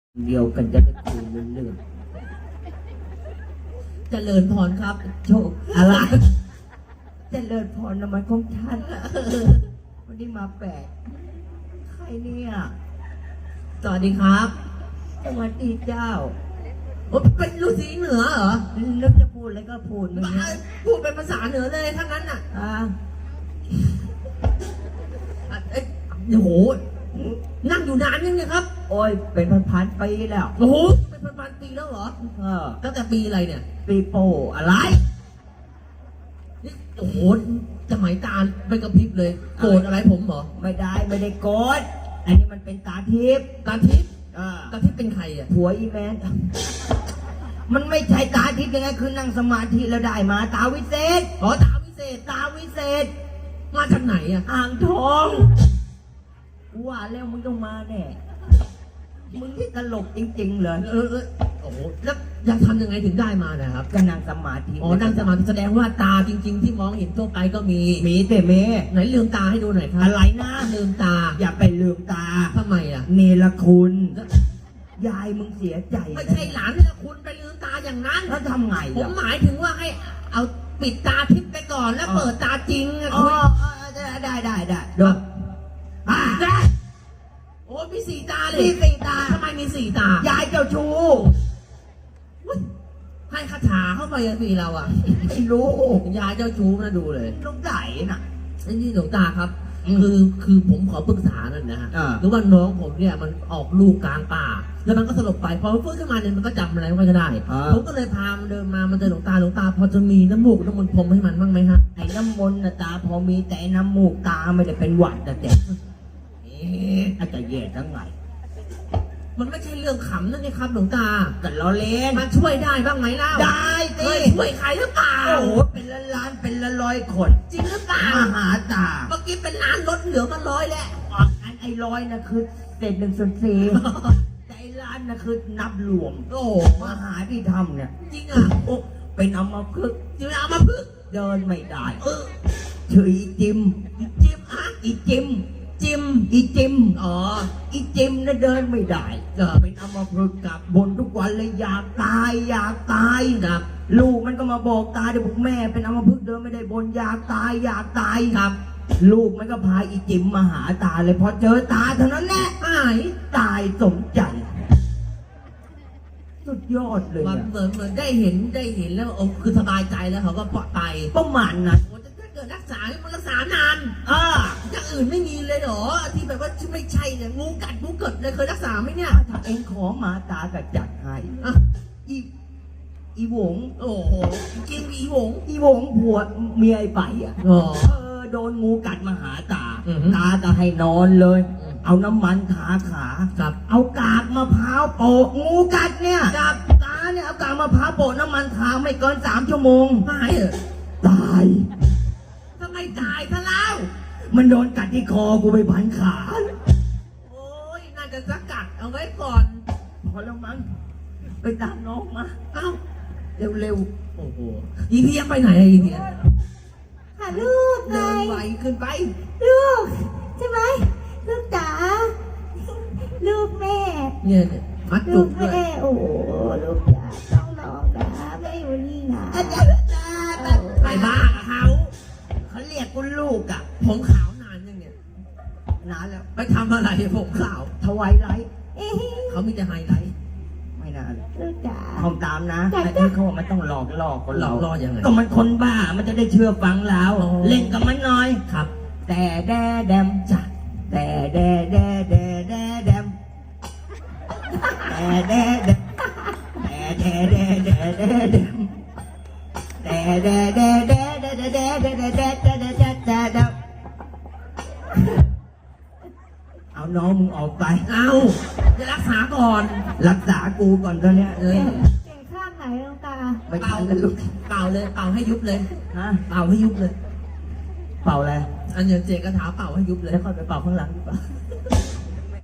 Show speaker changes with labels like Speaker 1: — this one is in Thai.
Speaker 1: เดียวกันจะได้คุยเรื่องเจริญพรครับโชคอะไรเจริญพรนมันของท่านวันนี้มาแปลกใครเนี่ยสวัสดีครับสวัสดีเจ้าเป็นฤาษีเหนือเหรอนึกจะพูดอะไรก็พูดมึงพูดเป็นภาษาเหนือเลยทั้งนั้นอ่ะโอ้โหนั่งอยู่นานยังเนี่ยครับโอ้ยเป็นพันๆปีแล้วโอ้โหเป็นพันๆปีแล้วเหรอตั้งแต่ปีอะไรเนี่ยปีโป้อะไรนี่โอ้โหสมัยตาเป็นกระพริบเลยโกรธอะไรผมเหรอไม่ได้โกรธอันนี้มันเป็นตาทิพย์ตาทิพย์เป็นใครอ่ะผัวอีแมนมันไม่ใช่ตาทิพย์ยังไงคือนั่งสมาธิแล้วได้มาตาวิเศษอ๋อตาวิเศษมาจากไหนอ่ะอ่างทองว่าแล้วมึงต้องมาแน่มึงที่ตลกจริงๆเลยโอ้โหแล้วจะทำยังไงถึงได้มานะครับก็นั่งสมาธินั่งสมาธิแสดงว่าตาจริงๆที่มองเห็นทั่วไปก็มีแต่เมไหนลืมตาให้ดูหน่อยครับอะไรนะลืมตาอย่าไปลืมตาทำไมอ่ะเนรคุณยายมึงเสียใจไม่ใช่หลานเนรคุณไปลืมตาอย่างนั้นแล้วทำไงผมหมายถึงว่าให้เอาปิดตาทิพย์ไปก่อนแล้วเปิดตาจริงได้ดูได้โอ้มีสี่ตาเลยมีสี่ตาทำไมมีสี่ตายายเจ้าชู้ให้คาถาเข้าไปยังปีเราอ่ะไม่รู้ยายเจ้าชู้นะดูเลยลูกไหนน่ะนี่หลวงตาครับคือผมขอปรึกษาหน่อยนะฮะหรือว่าน้องผมเนี่ยมันออกลูกกลางป่าแล้วมันก็สลบไปพอมันฟื้นขึ้นมาเนี่ยมันก็จำอะไรไม่ได้ผมก็เลยพามันเดินมามันเจอหลวงตาพอจะมีน้ำมูกน้ำมนต์พรมให้มันบ้างไหมฮะไอ้น้ำมนต์นะตาพอมีแต่น้ำมูกตาไม่ได้เป็นหวัดแต่อาจจะแย่ทั้งไงมันไม่ใช่เรื่องขำนั่นนี่ครับหลวงตาแต่ล้อเล่นมันช่วยได้บ้างไหมล่ะได้สิช่วยใครหรือเปล่าโอ้โหเป็นล้านเป็นร้อยคนจริงหรือเปล่ามหาตาเมื่อกี้เป็นล้านลดเหลือมัน100แล้วไอ้ร้อยนะคือเศษ1/4แต่ไอ้ล้านนะคือนับรวมโอ้มหาที่ทำเนี่ยจริงอ่ะเป็นอัมพฤกษ์เดินไม่ได้ชื่ออีจิมฮะอีจิมอ๋ออีจิมนะเดินไม่ได้เป็นอัมพฤกษ์กับบนทุกวันเลยอยากตายครับลูกมันก็มาบอกตาเดี๋ยวบอกแม่เป็นอัมพฤกษ์เดินไม่ได้บนอยากตายครับลูกมันก็พาอีจิมมาหาตาเลยพอเจอตาเท่านั้นแหละตายสมใจสุดยอดเลยเหมือนได้เห็นแล้วคือสบายใจแล้วเขาก็ปลอดภัยประมาณนั้นถ้าเกิดรักษามันรักษานานอย่างอื่นไม่มีเลยเหรอที่แบบว่าไม่ใช่เนี่ยงูกัดงูเกิดเลยเคยรักษาไหมเนี่ยถ้าเองขอมาตากัดจัดให้อีหวงโอ้โหกินอีหวงผัวเมียไอ้ไปอ่ะโดนงูกัดมาหาตาก็ให้นอนเลยเอาน้ำมันทาขาเอากากมะพร้าวโปะงูกัดเนี่ยตาเนี่ยเอากากมะพร้าวโปะน้ำมันทาไม่เกิน3 ชั่วโมงตายทำไมตายซะแล้วมันโดนกัดที่คอกูไปพันขาโอ้ยน่าจะสกัดเอาไว้ก่อนพอแล้วมั้งไปตามน้องมาเอ้าเร็วโอ้โหอีเทียไปไหนอีเทีย
Speaker 2: หาลูกไง
Speaker 1: เดินไวขึ้นไป
Speaker 2: ลูกใช่ไหมลูกจ๋าลูกแม่
Speaker 1: เนี่ยมัดจุกด้วย
Speaker 2: โอ้ลูกจ๋าต้องน้องนะแม่อยู่นี่นะ
Speaker 1: ไปบ้าเขาเรียกกูลูกอ่ะผมขาวนานยังเนี่ยนานแล้วไปทำอะไรผมขาวทวายไลท์เขามีแต่ไฮไลท์ไม่นาน
Speaker 2: ลูกจ๋า
Speaker 1: ทำตามนะไอ้ที่เขาบอกมันต้องหลอกคนหลอกยังไงก็มันคนบ้ามันจะได้เชื่อฟังเราเล่นกับมันหน่อยครับแต่แดมจ้ะแต่แดมเอาน้องมึงออกไปเอาจะรักษาก่อนรักษากูก่อนตอนเนี้ย
Speaker 2: เก่งข้างไหนลูกตา
Speaker 1: ไปเป่าเลยลูกเป่าเลยเป่าให้ยุบเลยฮะเป่าให้ยุบเลยเป่าอะไรอันนี้เจกระถาเป่าให้ยุบเลยแล้วค่อยไปเป่าข้างหลังดีกว่า